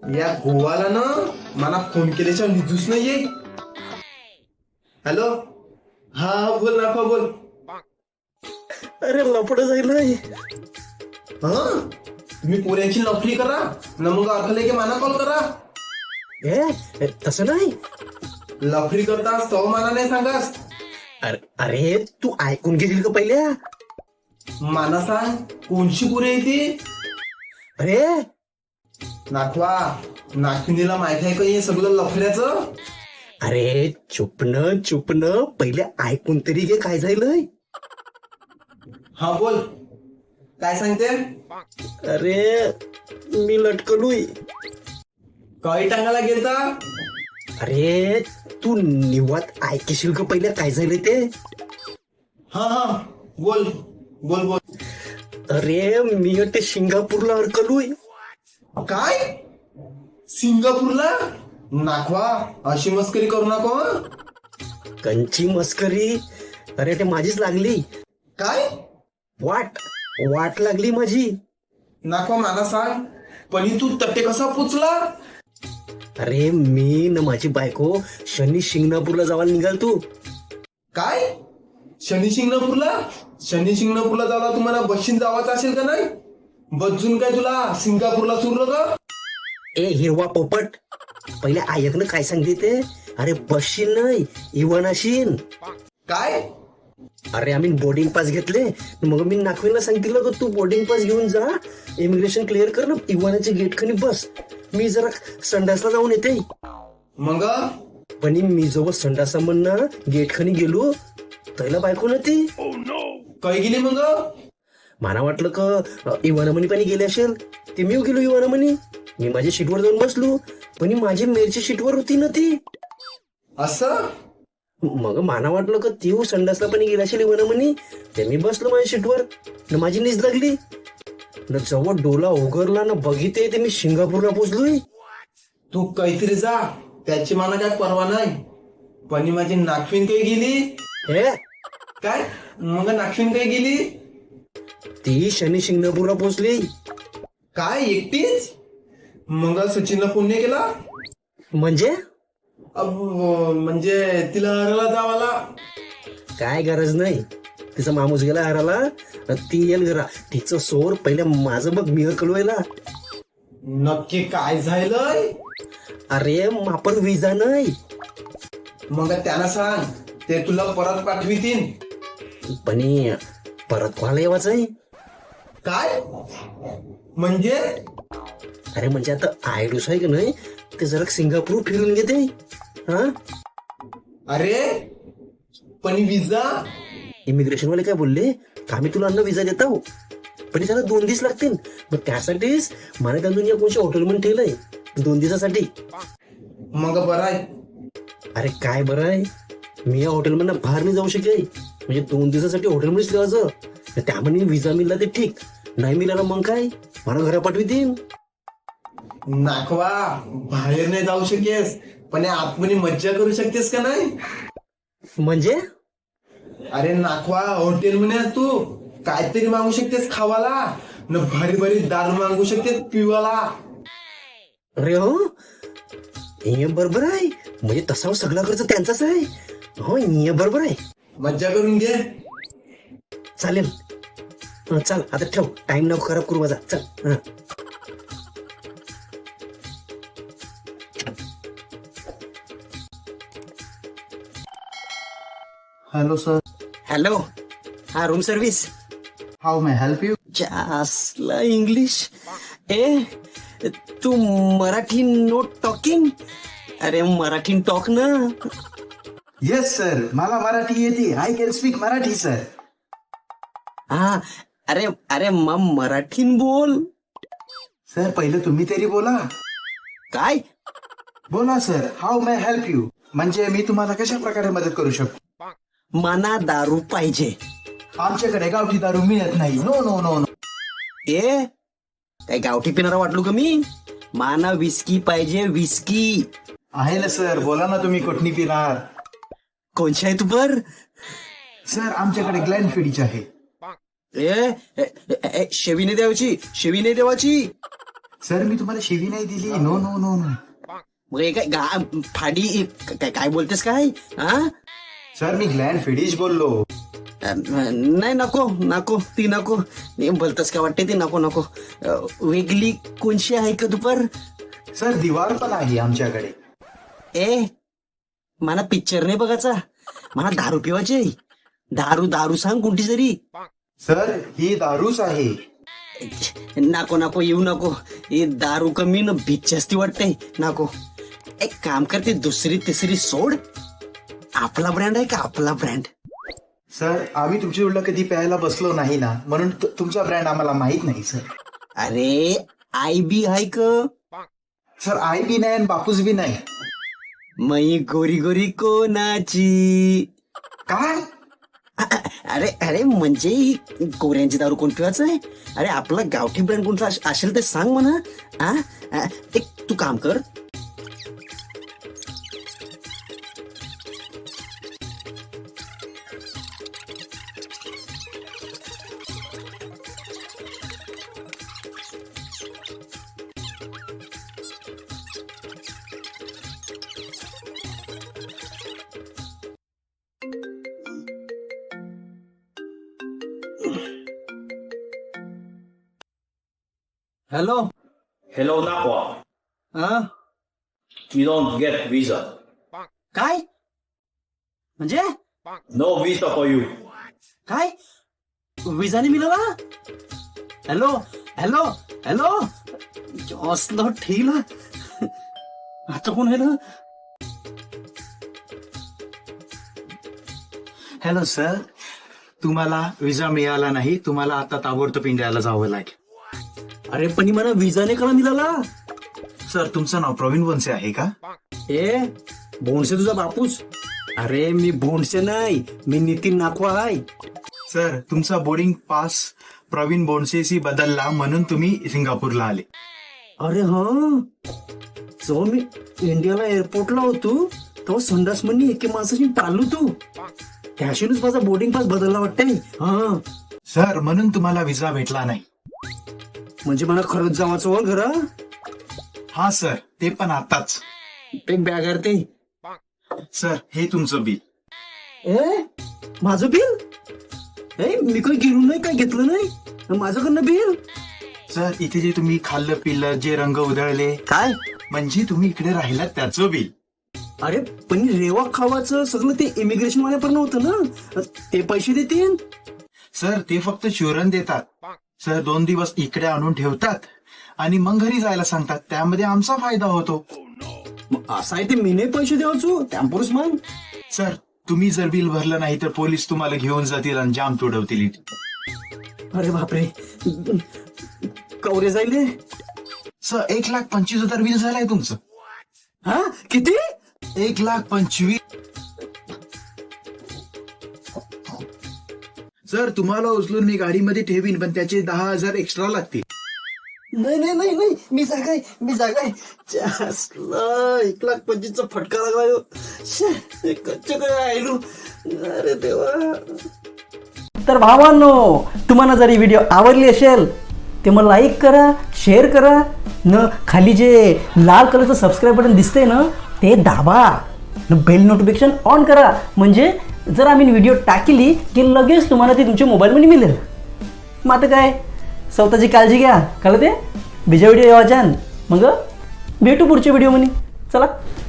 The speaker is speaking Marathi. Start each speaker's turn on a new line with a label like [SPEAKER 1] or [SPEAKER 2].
[SPEAKER 1] या गोवाला ना मला फोन केल्याच्या निजूच नाहीये. हॅलो, हा बोल ना, बोल.
[SPEAKER 2] अरे लपड जाईल
[SPEAKER 1] हा, तुम्ही पोऱ्यांची नोकरी करा ना, मग अकले की मला कॉल करा.
[SPEAKER 2] हे तसं नाही.
[SPEAKER 1] लफरी करतास तो मला नाही सांगास.
[SPEAKER 2] अरे अरे तू ऐकून घेशील का पहिल्या.
[SPEAKER 1] मला सांग कोणची पोरी आहे ती.
[SPEAKER 2] अरे
[SPEAKER 1] नाखवा नाखिनीला माहिती आहे का हे सगळं लफऱ्याचं.
[SPEAKER 2] अरे चुपन पहिले ऐकून तरी घे काय झालंय.
[SPEAKER 1] हा बोल, काय सांगते.
[SPEAKER 2] अरे मी लटकलोय.
[SPEAKER 1] काही टांगाला गेलता.
[SPEAKER 2] अरे तू निवात ऐकशील का पहिले काय झालंय ते.
[SPEAKER 1] हा हा बोल बोल बोल.
[SPEAKER 2] अरे मी ते सिंगापूरला अडकलोय.
[SPEAKER 1] काय सिंगापूरला. नाखवा अशी मस्करी करू नको.
[SPEAKER 2] कंची मस्करी. अरे ते माझीच लागली.
[SPEAKER 1] काय
[SPEAKER 2] वाट लागली माझी.
[SPEAKER 1] नाखवा मला सांग, पण तू तट्टे कसा पोचला.
[SPEAKER 2] अरे मी न माझी बायको शनी शिंगणापूरला जावायला निघाल तू.
[SPEAKER 1] काय शनी शिंगणापूरला जायला तुम्हाला बसशीन जावाचं असेल का नाही. बसून काय तुला सिंगापूरला सुरलं का.
[SPEAKER 2] ए हिरवा पोपट, पहिले ऐकणं काय सांगते ते. अरे बसशील नाही इवानाशीन.
[SPEAKER 1] काय
[SPEAKER 2] अरे आम्ही बोर्डिंग पास घेतले. मग मी नाखवीला सांगितलं का तू बोर्डिंग पास घेऊन जा, इमिग्रेशन क्लिअर कर ना, इवानाच्या गेट खनी बस. मी जरा संडासला जाऊन येते.
[SPEAKER 1] मग
[SPEAKER 2] पण मी जेव्हा संडासा म्हणणं गेट खनी गेलो त्याला बायको ना ती.
[SPEAKER 1] काय गेली मग.
[SPEAKER 2] मला वाटलं का इवाना म्हणी पाणी गेले असेल. ते मी गेलो इवाना म्हणी. मी माझ्या सीटवर जाऊन बसलो, पण माझी मेरची सीटवर होती ना ती.
[SPEAKER 1] असं
[SPEAKER 2] मग मला वाटलं का ती संडासला पाणी गेला असेल इवाना म्हणी. ते मी बसलो माझ्या सीटवर न माझी नीज लागली न. जेव्हा डोला उघडला ना बघिते ते मी सिंगापूरला पोचलोय.
[SPEAKER 1] तू काहीतरी जा, त्याची मला काय परवा नाही. पण माझी नागफिन काही गेली.
[SPEAKER 2] हे
[SPEAKER 1] काय मग नागफिन काही गेली.
[SPEAKER 2] ती शनी शिंगणापूरला पोचली.
[SPEAKER 1] काय एकटीच. मग सचिनला फोन नाही केला.
[SPEAKER 2] म्हणजे
[SPEAKER 1] म्हणजे तिला हरायला जावाला.
[SPEAKER 2] काय गरज नाही. तिचा माणूस गेला हराला, ती येईल घरा. तिचं सोर पहिले माझं बघ मी कळवायला.
[SPEAKER 1] नक्की काय झालंय.
[SPEAKER 2] अरे आपण विजा नाही.
[SPEAKER 1] मग त्यांना सांग ते तुला परत पाठवितीन.
[SPEAKER 2] पण परत कोणाला येवाच आहे.
[SPEAKER 1] काय म्हणजे.
[SPEAKER 2] अरे म्हणजे आता आयडूस आहे की नाही, ते जरा सिंगापूर फिरून घेते. हा
[SPEAKER 1] अरे पण विजा.
[SPEAKER 2] इमिग्रेशन वाले काय बोलले का आम्ही तुला अन्न विजा देता हो, पण त्याला 2 दिवस लागतील. मग त्यासाठीच मला त्यांनी या कोणत्या हॉटेलमध्ये ठेवलंय 2 दिवसासाठी.
[SPEAKER 1] मग बरं आहे.
[SPEAKER 2] अरे काय बरं आहे, मी या हॉटेलमधनं बाहेर नाही जाऊ शकेल. म्हणजे 2 दिवसासाठी हॉटेलमध्येच ठेवायचं. त्यामध्ये विजा मिळला ते ठीक, नाही मिळाला मग काय मला घरा पाठवितील.
[SPEAKER 1] नाखवा बाहेर नाही जाऊ शकेस, पण आतमध्ये मज्जा करू शकतेस का नाही.
[SPEAKER 2] म्हणजे
[SPEAKER 1] अरे नाखवा हॉटेल मध्ये तू काहीतरी मागू शकतेस खावाला न, भारी भारी दारू मागू शकतेस पिवाला.
[SPEAKER 2] अरे हो हे बरोबर आहे. म्हणजे तसा सगळा खर्च त्यांचाच आहे. हो हे बरोबर आहे.
[SPEAKER 1] मज्जा करून घे.
[SPEAKER 2] चालेल. चल आता ठेव, टाइम नको खराब करू माझा. चल.
[SPEAKER 1] Hello sir.
[SPEAKER 2] हॅलो, हा room service.
[SPEAKER 1] How may help you.
[SPEAKER 2] जासला इंग्लिश. तू मराठी नोट टॉकिंग. अरे मराठी टॉक ना.
[SPEAKER 3] येस सर, मला मराठी येते. I can speak Marathi sir.
[SPEAKER 2] हा अरे अरे मराठीन बोल.
[SPEAKER 3] सर पहिलं तुम्ही तरी बोला.
[SPEAKER 2] काय
[SPEAKER 3] बोला sir, how may help you. म्हणजे मी तुम्हाला कशा प्रकारे मदत करू शकतो.
[SPEAKER 2] मना दारू पाहिजे.
[SPEAKER 3] आमच्याकडे गावठी दारू मिळत नाही. No no no no.
[SPEAKER 2] काय गावठी पिणारा वाटलो का मी. माना विस्की पाहिजे. विस्की
[SPEAKER 3] आहे ना सर, बोला ना तुम्ही कुठनी पिणार.
[SPEAKER 2] कोणची आहे तू पर.
[SPEAKER 3] सर आमच्याकडे ग्लॅनफिडीची आहे.
[SPEAKER 2] शेवी नाही द्यायची.
[SPEAKER 3] सर मी तुम्हाला शिवी नाही दिली. No no no no.
[SPEAKER 2] मग हे काय फाडी काय बोलतेस काय? हा
[SPEAKER 3] सर मी ग्लॅन फिडिश बोललो.
[SPEAKER 2] नाही नको नको ती नको. बोलतस का वाटते ती नको नको. वेगळी कोणशी आहे का दुपार?
[SPEAKER 3] सर दिवार पण आहे आमच्याकडे.
[SPEAKER 2] ए मला पिक्चर नाही बघायचा, मला दारू पिवायची. दारू दारू सांग कोणती तरी.
[SPEAKER 3] सर ही दारूच आहे.
[SPEAKER 2] नको नको येऊ नको. हे दारू कमी न भीत जास्ती वाटते. नको एक काम करते, दुसरी तिसरी सोड. आपला ब्रँड आहे का आपला ब्रँड?
[SPEAKER 3] सर आम्ही तुमच्या उलट कधी प्यायला बसलो नाही ना, म्हणून तुमचा ब्रँड आम्हाला माहित नाही सर.
[SPEAKER 2] अरे आई बी आहे का?
[SPEAKER 3] सर आई बी नाही आणि बापूस बी नाही.
[SPEAKER 2] मई गोरी गोरी कोणाची?
[SPEAKER 3] काय?
[SPEAKER 2] अरे अरे म्हणजे ही गोऱ्यांची दारू कोण पिवायचं आहे? अरे आपला गावठी ब्रँड कोणता असेल ते सांग म्हणा. एक तू काम कर, हॅलो.
[SPEAKER 4] Hello, Nakwa.
[SPEAKER 2] हा
[SPEAKER 4] You don't get visa.
[SPEAKER 2] काय म्हणजे
[SPEAKER 4] No visa for you.
[SPEAKER 2] काय विजाने मिळाला? हॅलो हॅलो हॅलो असलं ठेल. आता कोण आहे ना?
[SPEAKER 3] हॅलो सर, तुम्हाला विजा मिळाला नाही. तुम्हाला आता ताबडतोब इंडियाला जावं लागेल.
[SPEAKER 2] अरे पण मला विजाने का मिळाला?
[SPEAKER 3] सर तुमचं नाव प्रवीण बोनसे आहे का?
[SPEAKER 2] ए भोंडसे तुझा बापूस? अरे मी भोंडसे नाही, मी नितीन नाखवा आहे.
[SPEAKER 3] सर तुमचा बोर्डिंग पास प्रवीण बोनसेशी बदलला म्हणून तुम्ही सिंगापूरला आले.
[SPEAKER 2] अरे हा जेव्हा मी इंडियाला एअरपोर्टला होतो तेव्हा संडास म्हणून एके माणसाची पाळलो तू. त्याशीनच माझा बोर्डिंग पास बदलला वाटतंय. हा
[SPEAKER 3] सर म्हणून तुम्हाला विजा भेटला नाही.
[SPEAKER 2] म्हणजे मला खरंच जावाचं हो घरा?
[SPEAKER 3] हा सर, ते पण आताच.
[SPEAKER 2] एक बॅग आहे ते.
[SPEAKER 3] सर हे तुमचं बिल.
[SPEAKER 2] ए माझं बिल? ए मी काही गेलो नाही, काय घेतलं नाही माझ्याकडनं बिल.
[SPEAKER 3] सर इथे जे तुम्ही खाल्लं पिल्लं, जे रंग उधळले,
[SPEAKER 2] काय
[SPEAKER 3] म्हणजे तुम्ही इकडे राहिलात त्याचं बिल.
[SPEAKER 2] अरे पण रेवा खावाचं सगळं ते इमिग्रेशन वाल्यापर्यंत होतं ना, ते पैसे देतील.
[SPEAKER 3] सर ते फक्त चुरण देतात. सर 2 दिवस इकडे आणून ठेवतात आणि मग घरी जायला सांगतात. त्यामध्ये आमचा फायदा होतो.
[SPEAKER 2] मग असं आहे ते मी नाही पैसे द्यावचो त्यापुरुष मग.
[SPEAKER 3] सर तुम्ही जर बिल भरलं नाही तर पोलीस तुम्हाला घेऊन जातील आणि जाम तोडवतील.
[SPEAKER 2] अरे बापरे कवरे जाईल.
[SPEAKER 3] सर 1,25,000 बिल झालंय तुमचं.
[SPEAKER 2] हा किती?
[SPEAKER 3] 1,25,000. सर तुम्हाला उचलून मी गाडीमध्ये ठेवीन, पण त्याचे 10,000 एक्स्ट्रा लागतील.
[SPEAKER 2] नाही नाही नाही नाही मी जागाय 1,25,000 फटका लागला. कच्चे काय आयलो. अरे देवा.
[SPEAKER 5] तर भावांनो, तुम्हाला जर ही व्हिडिओ आवडली असेल ते मग लाईक करा, शेअर करा न खाली जे लाल कलरचं सबस्क्राईब बटन दिसतंय ना ते दाबा न बेल नोटिफिकेशन ऑन करा. म्हणजे जर आम्ही व्हिडिओ टाकली की लगेच तुम्हाला ती तुमच्या मोबाईलमध्ये मिळेल. मग आता काय, स्वतःची काळजी घ्या. कळलं ते? बीजा व्हिडिओ यावाच्यान मग भेटू पुढच्या व्हिडिओमध्ये. चला.